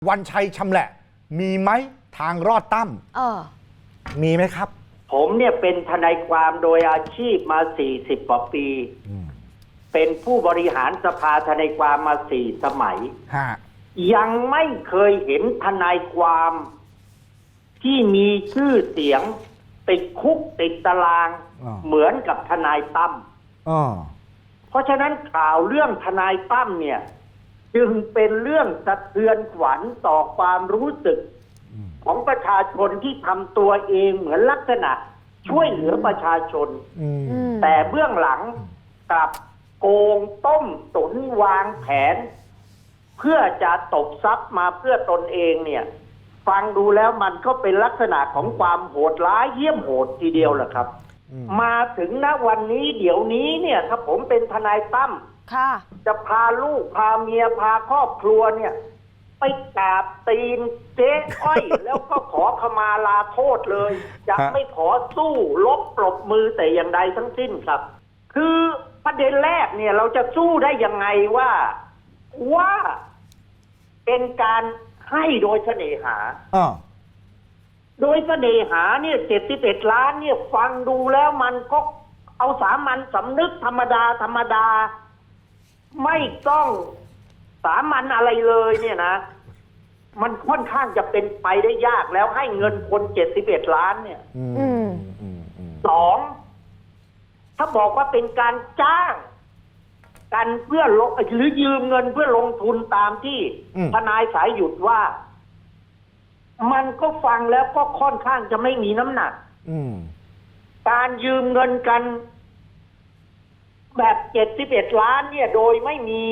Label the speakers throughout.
Speaker 1: วันชัยชำแหละมีไหมทางรอดตั้มมีไหมครับ
Speaker 2: ผมเนี่ยเป็นทนายความโดยอาชีพมา40กว่าปีเป็นผู้บริหารสภาทนายความมา4 สมัยยังไม่เคยเห็นทนายความที่มีชื่อเสียงติดคุกติดตารางเหมือนกับทนายตั้มเพราะฉะนั้นข่าวเรื่องทนายตั้มเนี่ยจึงเป็นเรื่องสะเทือนขวัญต่อความรู้สึกของประชาชนที่ทำตัวเองเหมือนลักษณะช่วยเหลือประชาชนแต่เบื้องหลังกลับโกงต้มตุนวางแผนเพื่อจะตบทรัพย์มาเพื่อตนเองเนี่ยฟังดูแล้วมันก็เป็นลักษณะของความโหดร้ายเหี้ยมโหดทีเดียวแหละครับมาถึงณวันนี้เดี๋ยวนี้เนี่ยถ้าผมเป็นทนายตั้มจะพาลูกพาเมียพาครอบครัวเนี่ยไปกราบตีนเจ๊อ้อยแล้วก็ขอขมาลาโทษเลยจะไม่ขอสู้ลบปรบมือแต่อย่างใดทั้งสิ้นครับคือประเด็นแรกเนี่ยเราจะสู้ได้ยังไงว่าเป็นการให้โดยเสน่หาโดยเสน่หาเนี่ย71 ล้านเนี่ยฟังดูแล้วมันก็เอาสามัญสำนึกธรรมดาไม่ต้องสามัญอะไรเลยเนี่ยนะมันค่อนข้างจะเป็นไปได้ยากแล้วให้เงินคน71 ล้านเนี่ย2ถ้าบอกว่าเป็นการจ้างกันเพื่อหรือยืมเงินเพื่อลงทุนตามที่ทนายสายหยุดว่ามันก็ฟังแล้วก็ค่อนข้างจะไม่มีน้ำหนักการยืมเงินกันแบบ71 ล้านเนี่ยโดยไม่มี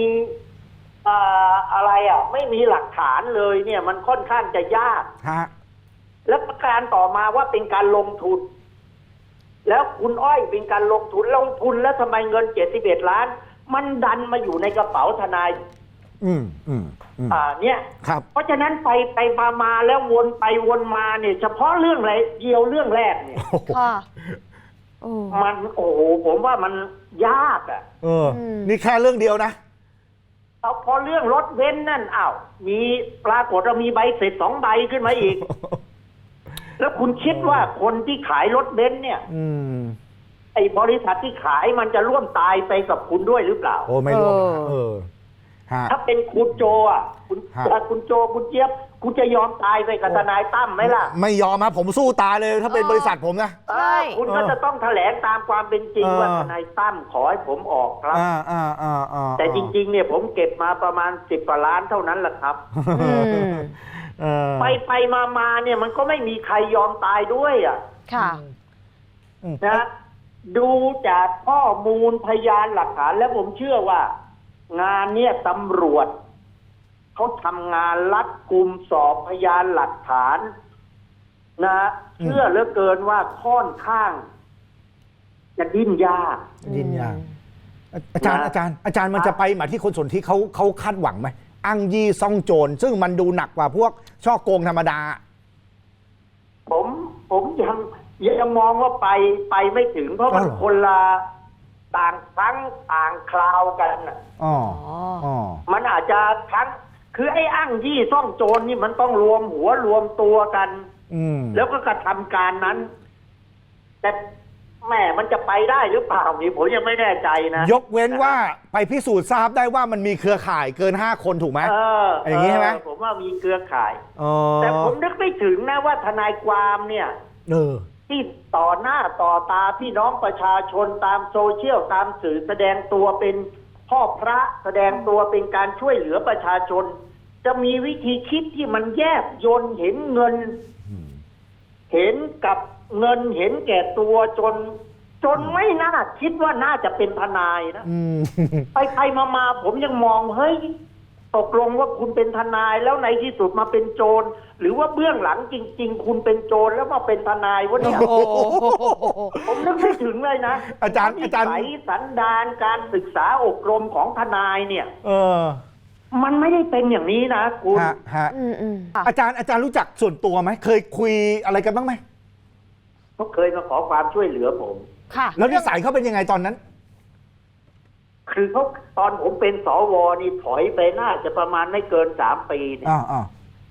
Speaker 2: ไม่มีหลักฐานเลยเนี่ยมันค่อนข้างจะยากและประการต่อมาว่าเป็นการลงทุนแล้วคุณอ้อยเป็นการลงทุนแล้วทำไมเงิน71 ล้านมันดันมาอยู่ในกระเป๋าทนายเนี่ยเพราะฉะนั้นไปมาแล้ววนไปวนมาเนี่ยเฉพาะเรื่องอะไรเดียวเรื่องแรกเนี่ยมันโอ้โหผมว่ามันยาก
Speaker 1: นี่แค่เรื่องเดียวนะ
Speaker 2: เอาพอเรื่องรถเบนซ์นั่นมีปรากฏว่ามีใบเสร็จ2 ใบขึ้นมาอีกแล้วคุณคิดว่าคนที่ขายรถเบนซ์เนี่ยไอ้บริษัทที่ขายมันจะร่วมตายไปกับคุณด้วยหรือเปล่า
Speaker 1: โอ้ไม่ร่วม
Speaker 2: ถ้าเป็นคุณโจคุณโจคุณเจี๊ยบคุณจะยอมตายไปกับทนายตั้มไหมล่ะ
Speaker 1: ไม่ยอมครับผมสู้ตายเลยถ้าเป็นบริษัทผมนะ
Speaker 2: คุณก็จะต้องแถลงตามความเป็นจริงว่าทนายตั้มขอให้ผมออกครับแต่จริงๆเนี่ยผมเก็บมาประมาณ10 กว่าล้านเท่านั้นแหละครับไปมาเนี่ยมันก็ไม่มีใครยอมตายด้วยนะดูจากข้อมูลพยานหลักฐานแล้วผมเชื่อว่างานเนี่ยตำรวจเขาทำงานรัดกุมสอบพยานหลักฐานนะเชื่อเหลือเกินว่าค่อนข้างจะดิ้นยาก
Speaker 1: อาจารย์มันจะไปหมาที่คนส่วนที่เขาคาดหวังไหมอ้างยี่ซ่องโจรซึ่งมันดูหนักกว่าพวกช่อโกงธรรมดา
Speaker 2: ผมยังมองว่าไปไม่ถึงเพราะมันคนละต่างครั้งต่างคราวกันมันอาจจะทั้งคือไอ้อ้างยี่ซ่องโจรนี่มันต้องรวมหัวรวมตัวกันแล้วก็กระทำการนั้นแต่แม่มันจะไปได้หรือเปล่านี่ผมยังไม่แน่ใจนะ
Speaker 1: ยกเว้นว่าไปพิสูจน์ทราบได้ว่ามันมีเครือข่ายเกิน5 คนถูกไหมอย่างนี้ใช่ไหม
Speaker 2: ผมว่ามีเครือข่ายแต่ผมนึกไม่ถึงนะว่าทนายความเนี่ยที่ต่อหน้าต่อตาพี่น้องประชาชนตามโซเชียลตามสื่อแสดงตัวเป็นพ่อพระแสดงตัวเป็นการช่วยเหลือประชาชนจะมีวิธีคิดที่มันแยบยลเห็นเงินเห็นกับเงินเห็นแก่ตัวจนไม่น่าคิดว่าน่าจะเป็นทนายนะไปมาผมยังมองเฮ้ยตกลงว่าคุณเป็นทนายแล้วในที่สุดมาเป็นโจรหรือว่าเบื้องหลังจริงๆคุณเป็นโจรแล้วมาเป็นทนายวะเนี่ยผมนึกไม่ถึงเลยนะ
Speaker 1: อาจารย์
Speaker 2: สันดานการศึกษาอบรมของทนายเนี่ยมันไม่ได้เป็นอย่างนี้นะคุณ
Speaker 1: อาจารย์รู้จักส่วนตัวไหมเคยคุยอะไรกันบ้างไหม
Speaker 2: เขาเคยมาขอความช่วยเหลือผม
Speaker 1: แล้วนิสัยเขาเป็นยังไงตอนนั้น
Speaker 2: คือเขาตอนผมเป็นสวนี่ถอยไปน่าจะประมาณไม่เกิน3 ปีเนี่ย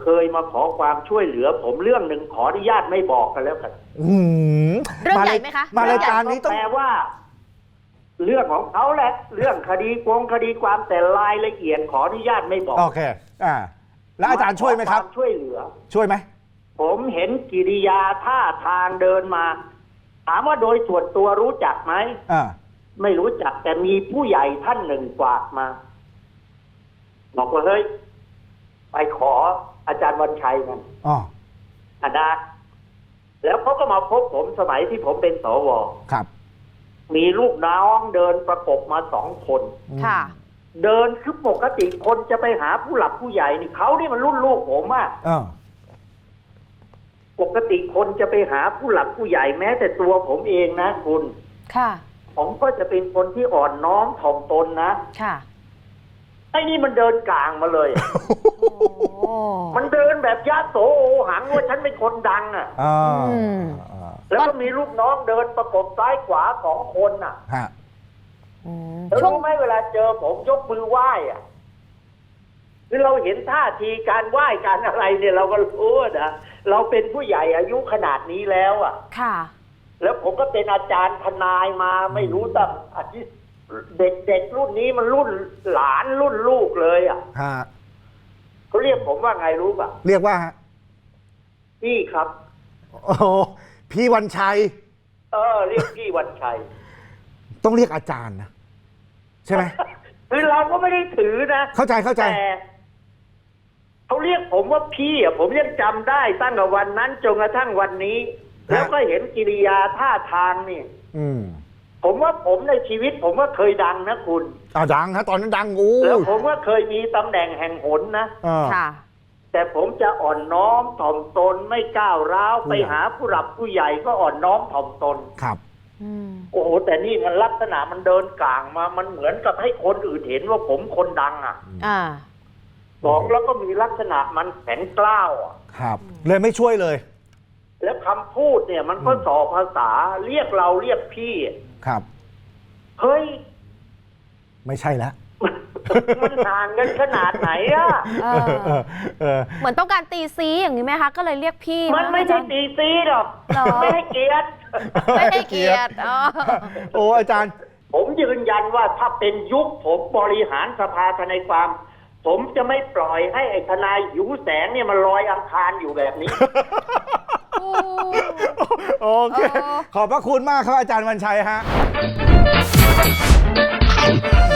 Speaker 2: เคยมาขอความช่วยเหลือ ผมเรื่องหนึ่งขออนุญาตไม่บอกกันแล้วกัน
Speaker 1: อืม
Speaker 3: เรื่องใหญ่ไหมคะ
Speaker 1: มารายการนี้ต้อง
Speaker 2: แปลว่า เรื่องของเขาแหละ เรื่องคดีคดีความแต่รายละเอียดขออนุญาตไม่บอก
Speaker 1: โอเคแล้วอาจารย์ช่วยไหมครับ
Speaker 2: ขอวาช่วยเหลือ
Speaker 1: ช่วยไหม
Speaker 2: ผมเห็นกิริยาท่าทางเดินมา ถามว่าโดยส่วนตัวรู้จักไหม ไม่รู้จักแต่มีผู้ใหญ่ท่านหนึ่งฝากมาบอกว่าเฮ้ยไปขออาจารย์วันชัยมันนะแล้วเขาก็มาพบผมสมัยที่ผมเป็นสว.
Speaker 1: ครับ
Speaker 2: มีลูกน้องเดินประกบมา2 คน
Speaker 3: ค่ะ
Speaker 2: เดินคือปกติคนจะไปหาผู้หลักผู้ใหญ่นี่เขานี่มันรุ่นลูกผมอะปกติคนจะไปหาผู้หลักผู้ใหญ่แม้แต่ตัวผมเองนะคุณ
Speaker 3: ค่ะ
Speaker 2: ผมก็จะเป็นคนที่อ่อนน้อมถ่อมตนนะ
Speaker 3: ค่ะ
Speaker 2: ไอ้นี่มันเดินกลางมาเลย มันเดินแบบยะโสโอหังว่าฉันเป็นคนดังอ่ะแล้วก็มีลูกน้องเดินประกบซ้ายขวา2 คนอ่ะแล้วรู้ไหมเวลาเจอผมยกมือไหว้อ่ะคือเราเห็นท่าทีการไหว้การอะไรเนี่ยเราก็รู้นะเราเป็นผู้ใหญ่อายุขนาดนี้แล้วอ่ะ
Speaker 3: ค่ะ
Speaker 2: แล้วผมก็เป็นอาจารย์ทนายมาไม่รู้ตั้งอาทิตย์เด็กรุ่นนี้มันรุ่นหลานรุ่นลูกเลยอ่ะเขาเรียกผมว่าไงรู้ป่ะ
Speaker 1: เรียกว่า
Speaker 2: พี่ครับ
Speaker 1: โอ้พี่วันชัย
Speaker 2: เรียกพี่วันชัย
Speaker 1: ต้องเรียกอาจารย์นะใช่ไหม
Speaker 2: คือเราก็ไม่ได้ถือนะ
Speaker 1: เข้าใจแต่
Speaker 2: เขาเรียกผมว่าพี่อ่ะผมยังจำได้ตั้งแต่วันนั้นจนกระทั่งวันนี้ แล้วก็เห็นกิริยาท่าทางนี่ผมว่าผมในชีวิตผมว่าเคยดังนะคุณ
Speaker 1: ดังฮะตอนนั้นดัง
Speaker 2: แล้วผมว่าเคยมีตำแหน่งแห่งหนนะ
Speaker 3: ค่ะ
Speaker 2: แต่ผมจะอ่อนน้อมถ่อมตนไม่ก้าวร้าวไปหาผู้หลักผู้ใหญ่ก็อ่อนน้อมถ่อมตน
Speaker 1: ครับ
Speaker 2: โอ้โหแต่นี่มันลักษณะมันเดินกลางมามันเหมือนกับให้คนอื่นเห็นว่าผมคนดังอ่ะ2แล้วก็มีลักษณะมันแข็งกล้าวอ่ะ
Speaker 1: ครับเลยไม่ช่วยเลย
Speaker 2: แล้วคำพูดเนี่ยมันก็ส่อภาษาเรียกเราเรียกพี่
Speaker 1: ครับ
Speaker 2: เฮ้ย
Speaker 1: ไม่ใช่แล้ว
Speaker 2: มันห่างกันขนาดไหนอ่ะ
Speaker 3: เหมือนต้องการตีซีอย่างนี้ไหมคะก็เลยเรียกพี่
Speaker 2: มันไม่ใช่ตีซีหรอกไม่ให้เกียรติ
Speaker 3: ไม่ให้เกียรติ
Speaker 1: โอ้อาจารย์
Speaker 2: ผมยืนยันว่าถ้าเป็นยุคผมบริหารสภาทนายความผมจะไม่ปล่อยให้ไอ้ทนายหิวแสงเนี่ยมันลอยอังคารอยู่แบบนี้
Speaker 1: โอเคขอบพระคุณมากครับอาจารย์วันชัยฮะ